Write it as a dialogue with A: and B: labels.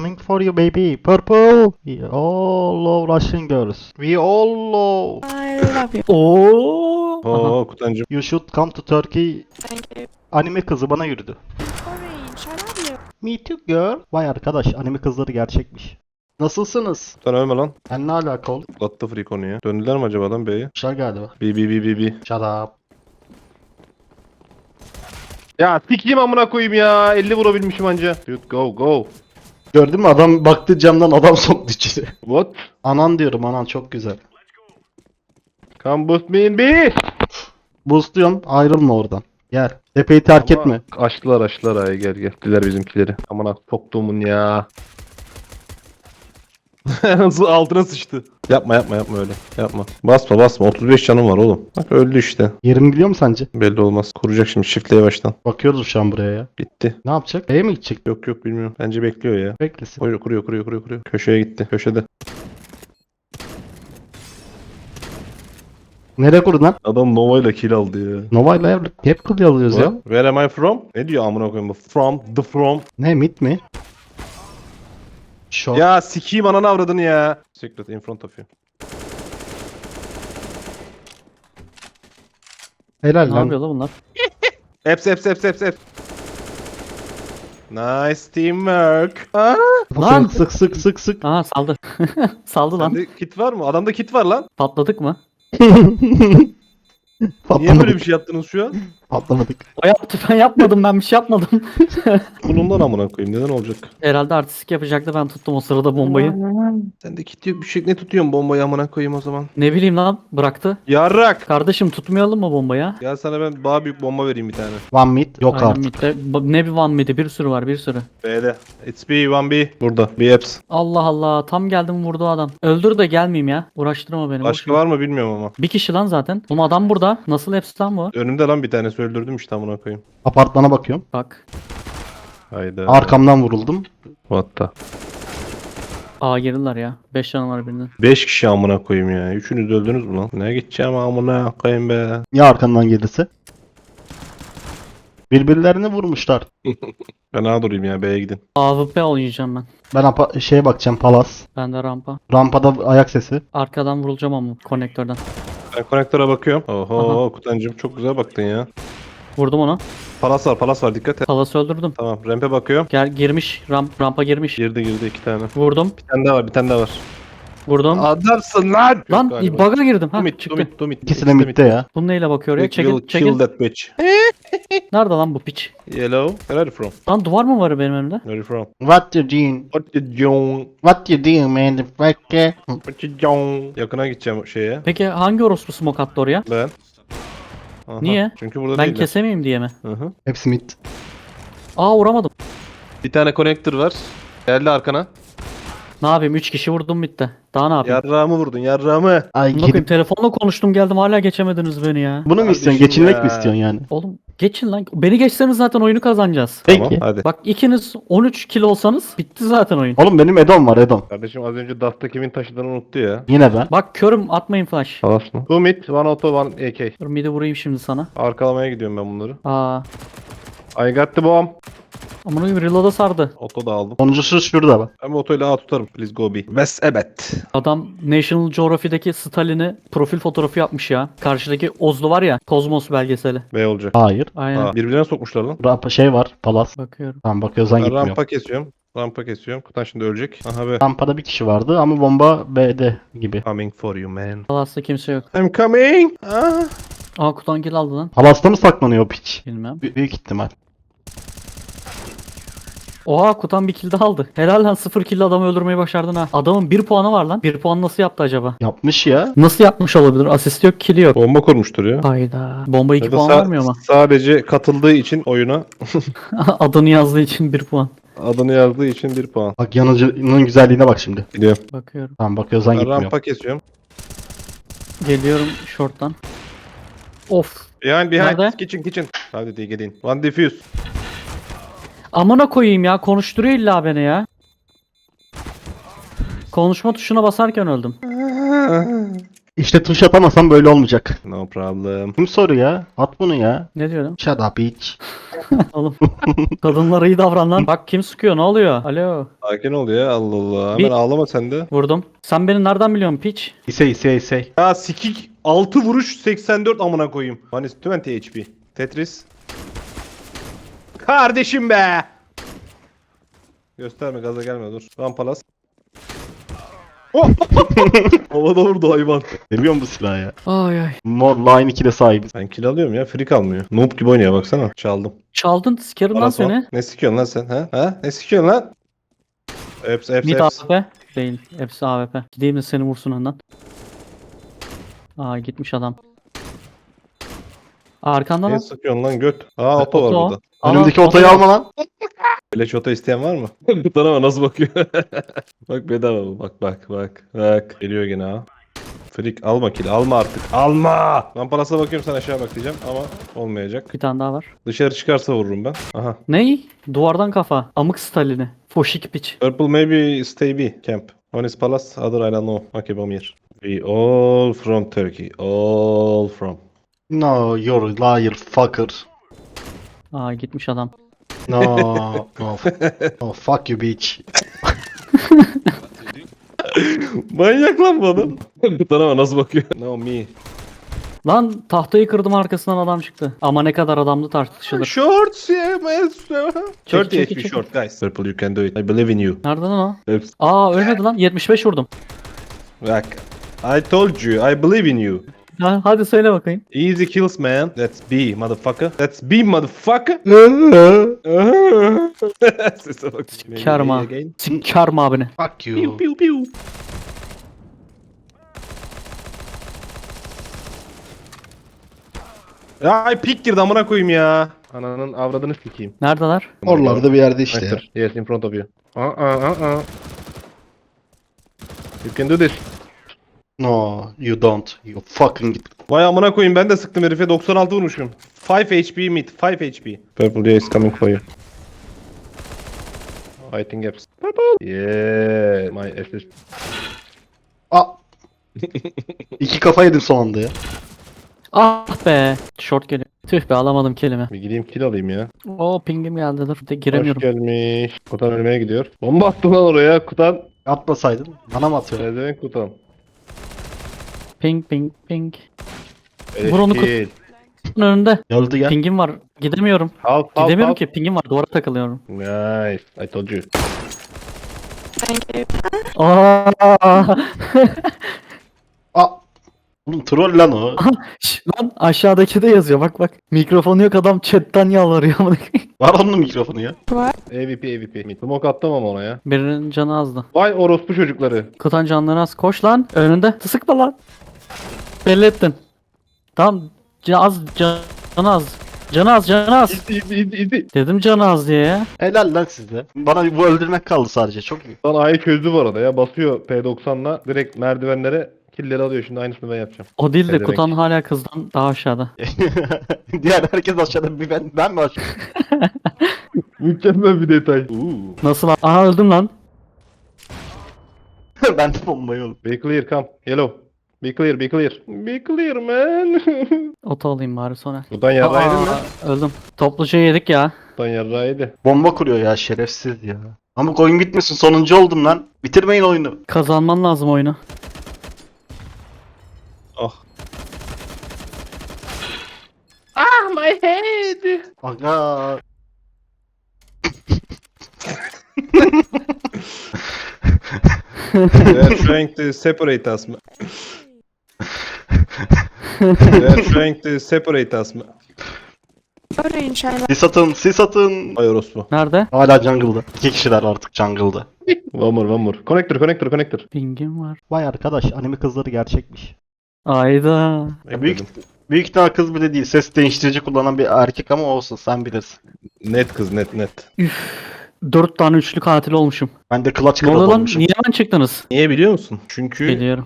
A: Coming for you baby. Purple. We all love Russian girls. We all love.
B: I love you.
C: Oo. Aha.
D: Oo Kutancım.
A: You should come to Turkey.
B: Thank you.
A: Anime kızı bana yürüdü.
B: Orange, I love you.
A: Me too girl. Vay arkadaş, anime kızları gerçekmiş. Nasılsınız?
D: Kutan ölme lan.
A: Ben ne alaka oğlum?
D: Atlattı free konuyu. Döndüler mi acaba lan B'ye?
A: Kuşlar galiba.
D: B.
A: Shut up.
D: Ya sikeyim amına koyayım ya. 50 vurabilmişim anca. Dude go.
A: Gördün mü, adam baktı camdan, adam soktu içeri.
D: What?
A: Anan diyorum, anan çok güzel.
D: Come boost me in B.
A: Boostluyorum, ayrılma oradan. Gel. Tepeyi terk
D: Ama
A: etme.
D: Açtılar ay gel. Diler bizimkileri. Amına soktuğumun ya. Altına sıçtı. Yapma öyle. Yapma. Basma. 35 canım var oğlum. Bak öldü işte.
A: Yerim biliyor mu sence?
D: Belli olmaz. Kuracak şimdi çiftleye baştan.
A: Bakıyoruz şu an buraya ya.
D: Gitti.
A: Ne yapacak? E'ye mi gidecek?
D: Yok bilmiyorum. Bence bekliyor ya.
A: Beklesin.
D: Kuruyor. Köşeye gitti. Köşede.
A: Nereye kurun lan?
D: Adam Nova ile kill aldı ya.
A: Nova'yla hep kıl alıyoruz ya.
D: What? Where am I from? Ne diyor amına koyayım bu? From.
A: Ne, mid mi? Short.
D: Ya sikiyim ananı avradını ya. Secret in front of you.
A: Helal
C: Ne
A: lan.
C: yapıyor lan bunlar?
D: Eps. Nice teamwork. Aa,
C: Lan!
A: Sık.
C: Aha saldı. Saldı lan.
D: sende kit var mı? Adamda kit var lan.
C: Patladık mı?
D: Niye
A: Patlamadık.
D: böyle bir şey yaptınız şu an?
A: Patlamadık.
C: O yaptı, ben yapmadım, ben bir şey yapmadım.
D: Bundan amına koyayım. Neden olacak?
C: Herhalde artistik yapacaktı, ben tuttum o sırada bombayı.
D: Sende kit yok bir şey. Ne tutuyorsun bombayı amına koyayım o zaman?
C: Ne bileyim lan, bıraktı.
D: Yarrak.
C: Kardeşim tutmayalım mı bombayı?
D: Gel sana ben daha büyük bomba vereyim bir tane.
A: One mid yok
C: Aynen
A: artık.
C: midde. Ne bir one mid'i, bir sürü var, bir sürü.
D: B'de. It's B, 1B. Burada. B Eps.
C: Allah Allah, tam geldim vurdu adam. Öldür de gelmeyeyim ya. Uğraştırma beni.
D: Başka
C: boş ver.
D: var mı bilmiyorum ama.
C: Bir kişi lan zaten. Oğlum adam burada. Nasıl hepsi lan bu?
D: Önümde lan bir tanesi öldürdüm işte amına koyayım.
A: Apartmana bakıyorum.
C: Bak.
D: Hayda.
A: Arkamdan vuruldum.
D: What the?
C: Aa girdiler ya. 5 canı var birinin.
D: 5 kişi amına koyayım ya. Üçünüz öldünüz mü lan? Ne gideceğim amına koyayım be.
A: Ya arkandan gelirse? Birbirlerini vurmuşlar.
D: Ben A durayım ya B'ye gidin.
C: AWP oynayacağım ben.
A: Ben şeye bakacağım, palas.
C: Ben de rampa.
A: Rampada ayak sesi.
C: Arkadan vurulacağım ama konektörden.
D: Ben konektöre bakıyorum. Oho
C: Aha.
D: Kutancım çok güzel baktın ya.
C: Vurdum onu.
D: Palas var dikkat et.
C: Palası öldürdüm.
D: Tamam rampe bakıyorum.
C: Girmiş. Rampa girmiş.
D: Girdi 2 tane.
C: Vurdum.
D: Bir tane daha var.
C: Vurdum.
D: Adamsın lan.
C: Lan bug'a girdim. Ha
D: Tumit,
C: çıktı.
D: Tumit.
A: İkisi de midde ya.
C: Bu neyle bakıyor ya?
D: We will
C: Çekil
D: kill
C: çekil.
D: that bitch.
C: Nerede lan bu piç?
D: Yellow. Where are you from?
C: Lan duvar mı var benim önümde?
D: Where are you from?
A: What you doing?
D: What you doing?
A: What you doing man? The fucker?
D: What you doing? Yakına gideceğim şeye.
C: Peki hangi orospu smoke attı oraya?
D: Ben. Aha,
C: Niye?
D: Çünkü burada
C: Ben
D: değiller.
C: kesemeyeyim diye mi?
D: Hı hı.
A: Hepsi mid.
C: Aa vuramadım.
D: Bir tane connector var. Geldi arkana.
C: Ne yapayım? 3 kişi vurdum bitti. Daha ne yapayım?
D: Yarrağımı vurdun yarrağımı.
A: Ay
C: Bunu koyayım,
A: gidip
C: telefonla konuştum geldim, hala geçemediniz beni ya.
A: bunu mu
D: Kardeşim
A: istiyorsun? Geçinmek
D: ya.
A: mi istiyorsun yani?
C: Oğlum geçin lan. Beni geçseniz zaten oyunu kazanacağız.
A: Peki.
D: Tamam hadi.
C: Bak ikiniz 13 kilo olsanız bitti zaten oyun.
A: Oğlum benim Edom var, Edom.
D: Kardeşim az önce Dust'ta kimin taşıdığını unuttu ya.
A: Yine ben.
C: Bak körüm, atmayın flash.
D: Halas mı? 2 mid, 1 auto, 1 AK.
C: Dur midi vurayım şimdi sana.
D: Arkalamaya gidiyorum ben bunları.
C: Aa.
D: I got the bomb.
C: Amına koyayım, reload'a sardı.
D: Auto da aldım.
A: Sonuncusu şurada bak.
D: Ben bu otoyla A tutarım. Please go B. West evet.
C: Adam National Geographic'deki Stalin'i profil fotoğrafı yapmış ya. Karşıdaki Ozlu var ya, Kozmos belgeseli.
D: B olacak.
A: Hayır.
C: Aynen.
D: Aa, birbirlerine sokmuşlar lan.
A: Şey var, palas.
C: Bakıyorum.
A: Tamam bakıyorsan
D: Ben
A: gitmiyor.
D: rampa kesiyorum. Kutan şimdi ölecek. Aha be.
A: Rampada bir kişi vardı ama bomba B'de gibi.
D: Coming for you man.
C: Palas'ta kimse yok.
D: I'm coming. Ah.
C: Aa kutan kill aldı lan.
A: Palasta mı saklanıyor o piç?
C: Bilmem.
A: Büyük ihtimal.
C: Oha kutan bir kill de aldı. Helal lan, 0 kill adamı öldürmeyi başardın ha. Adamın 1 puanı var lan. 1 puan nasıl yaptı acaba?
A: Yapmış ya.
C: Nasıl yapmış olabilir? Asist yok, kill yok.
D: Bomba kurmuştur ya.
C: Hayda. Bomba 2
D: Ya da
C: puan vermiyor mu?
D: sadece katıldığı için oyuna
C: Adını yazdığı için 1 puan.
D: adını yazdığı için 1 puan.
A: Bak yanıcının güzelliğine bak şimdi.
D: Biliyorum.
C: Bakıyorum.
A: Tamam bakıyorsan
D: Ben
A: gitmiyor.
D: rampa kesiyorum.
C: Geliyorum short'tan. Of.
D: Behind
C: Nerede?
D: kitchen. Hadi diye gelin. One defuse.
C: Amına koyayım ya, konuşturuyor illa beni ya. Konuşma tuşuna basarken öldüm.
A: İşte tuş atamasam böyle olmayacak.
D: No problem.
A: Kim soruyor ya? At bunu ya.
C: Ne diyorum?
A: Shut up bitch.
C: Oğlum. Kadınlara iyi davran lan. Bak kim sıkıyor ne oluyor? Alo.
D: Sakin ol ya, Allah Allah.
C: Bir-
D: Hemen ağlama sen de.
C: Vurdum. Sen beni nereden biliyorsun piç?
A: İsey.
D: Ya sikik 6 vuruş 84 amına koyayım. Hani 20 HP. Tetris. Kardeşim be. Gösterme, gaza gelme, dur. Rampalas. Oh! Havada vurdu hayvan.
A: Seviyorum bu silahı ya.
C: Ay ay.
A: Mor line 2'de sahibiz.
D: Ben kill alıyorum ya, free kalmıyor. Noob gibi oynuyor baksana. Çaldım.
C: Çaldın sikerim lan
D: Parası var.
C: seni.
D: Ne sikiyorsun lan sen, ha? Ha? Ne sikiyorsun lan? Hepsi.
C: Mid AWP. Değil. Hepsi AWP. Gideyim de seni vursun önden. Aa gitmiş adam. Arkanda
D: Ne
C: lan.
D: sıkıyorsun lan göt? Aa oto var
C: Oto.
D: burada.
A: Önümdeki
C: Aa,
A: otoyu
C: oto-
A: alma lan.
D: Beleş oto isteyen var mı? Kutan ama nasıl bakıyor? Bak bedava bu. Bak. Geliyor gene ha. Freak alma kill, alma artık. Alma! Ben parasına bakıyorum, sen aşağı bak diyeceğim ama olmayacak.
C: Bir tane daha var.
D: Dışarı çıkarsa vururum ben. Aha.
C: Ney? Duvardan kafa. Amık Stalin'i. Foşik piç.
D: Purple maybe stay B camp. One is palace, other I don't know. Okay, bomb here. We all from Turkey. All from.
A: No, you're a liar fucker.
C: Aa gitmiş adam.
A: No. Oh, fuck you bitch.
D: Manyak lan bu adam. Kutan ama nasıl bakıyor? No me.
C: Lan tahtayı kırdım arkasından adam çıktı. Ama ne kadar adamlı tartışılır.
D: Shorts yeah man. 30
C: çek,
D: HP
C: çek.
D: short guys. Purple you can do it. I believe in you.
C: Nerede lan o?
D: Hepsi.
C: Aa ölmedi lan. 75 vurdum.
D: Bak. I told you, I believe in you.
C: Ha, hadi söyle bakayım.
D: Easy kills man. That's B motherfucker. That's B motherfucker. Sese bak.
C: Karma.
D: Again.
C: Sikarma abini.
A: Fuck you.
D: Piu piu. Ya ay pik girdi amına koyayım ya. Ananın avradını sikeyim.
C: Neredeler?
A: Oralarda bir yerde işte ya.
D: Connector. Yes, in front of you. You can do this.
A: No, you don't. You fucking git.
D: Vay amına koyayım, ben de sıktım herife, 96 vurmuşum. 5 HP mid, 5 HP. Purple is coming for you. I think apps. Purple. Yeah, my assist.
A: Aa. İki kafa yedim son anda ya.
C: Ah be. Short geliyor. Tüh be alamadım kelime.
D: Bir gideyim kill alayım ya.
C: O pingim geldi dur. De
D: Hoş
C: giremiyorum.
D: gelmiş. Kutan ölmeye gidiyor. Bomba attı lan oraya Kutan.
A: Atmasaydın. Bana mı atıyorsun?
D: Ne demek Kutan?
C: Ping ping ping.
D: Beleş
C: Vur onu
D: kill.
C: Önünde.
A: Öldü gel.
C: Pingim var. Gidemiyorum.
D: Half.
C: Gidemiyorum ki. Pingim var. Duvara takılıyorum.
D: Nice. I told you.
B: Thank you.
C: Aa.
A: Aa. Oğlum troll lan o.
C: Şş, lan aşağıdaki de yazıyor. Bak bak. Mikrofonu yok adam chatten yalvarıyor.
A: Var onun mikrofonu ya.
D: AVP. Smoke attım ama ona ya.
C: Birinin canı azdı.
D: Vay orospu çocukları.
C: Kutan canları az. Koş lan. Önünde. Sıkma lan. Belli ettin. Tamam. Canı az. Canı az. Canı az.
D: Easy.
C: Dedim canı az diye ya.
A: Helal lan sizde. Bana bu öldürmek kaldı sadece. Çok iyi.
D: Lan A'yı çözdü bu arada ya. Basıyor P90'la direkt merdivenlere killleri alıyor. Şimdi aynısını ben yapacağım.
C: O değil de
D: Ne demek?
C: Kutan hala kızdan daha aşağıda.
A: Diğer herkes aşağıda, bir ben mi aşağıda?
D: Mükemmel bir detay.
C: Nasıl lan? Aha öldüm lan.
A: Ben de bombayı oğlum.
D: Be clear, come. Yellow. Be clear. Be clear man.
C: Oto alayım bari sonra.
D: Buradan yarrağıydı mı?
C: Öldüm. Topluca yedik ya.
D: Buradan yarrağıydı.
A: Bomba kuruyor ya, şerefsiz ya. Ama oyun bitmesin, sonuncu oldum lan. Bitirmeyin oyunu.
C: Kazanman lazım oyunu.
D: Ah.
A: Aga.
D: They are trying to separate us. They are trying to separate us.
B: Orange, I love
A: Sis atın.
D: Ay orospu.
C: Nerede?
A: Hala jungle'da. İki kişiler artık jungle'da.
D: One more. Connector.
C: Pingim var.
A: Vay arkadaş, anime kızları gerçekmiş.
C: Ayda.
A: Ya büyük ihtimal kız bile değil. Ses değiştirici kullanan bir erkek ama olsun, sen bilirsin.
D: Net kız, net.
C: 4 tane üçlü katil olmuşum.
A: Ben de clutch
C: Ne
A: kral
C: oluyor lan?
A: olmuşum.
C: Niye hemen çıktınız?
D: Niye biliyor musun? Çünkü
C: Biliyorum.